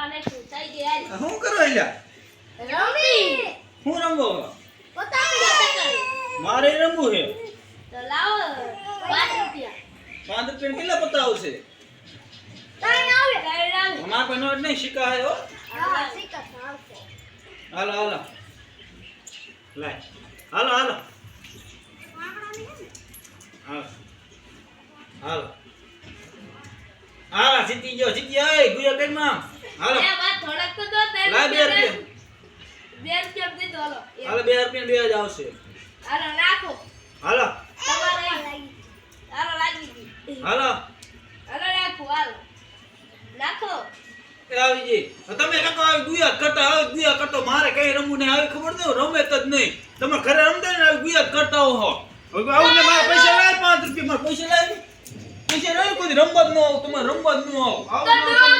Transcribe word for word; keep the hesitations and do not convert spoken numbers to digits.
અને થઈ ગયા શું કરો એલા રમી હું રમવો પતાવી ગયા મારે રમવું છે તો લાવો પાંચ રૂપિયા પાંચ રૂપિયા કેટલા પત્તા આવશે ત્રણ આવે ત્રણ આવે અમાર પાસે નોટ નહીં સિક્કા હે હો હા સિક્કા આવશે હાલો હાલો લાય હાલો હાલો હાલો હાલો હાલો જીતી ગયો જીતી આય ગુયા કઈમાં હાલો એ વાત થોડક તો દો ત્રણ લાય બે રૂપિયા બે રૂપિયા દે દો હાલો હાલો બે રૂપિયા બે જ આવશે હાલો રાખો હાલો તમારે હાલો લાગી ગઈ હાલો હાલો રાખો હાલો રાખો એ આવી જી તમે કાકો આવી ગુયા કરતા આવી ગુયા કરતો મારે કઈ રમવું નહીં આવી ખબર નહીં રમે જ નહીં તમે ઘરે રમતા ને આવી ગુયા કરતા હો હવે આવું ને મારા પૈસા લાય પાંચ રૂપિયા મારા પૈસા લાય પૈસા લાય કોઈ રમવા જ ન આવ તમારે રમવા જ ન આવ આવું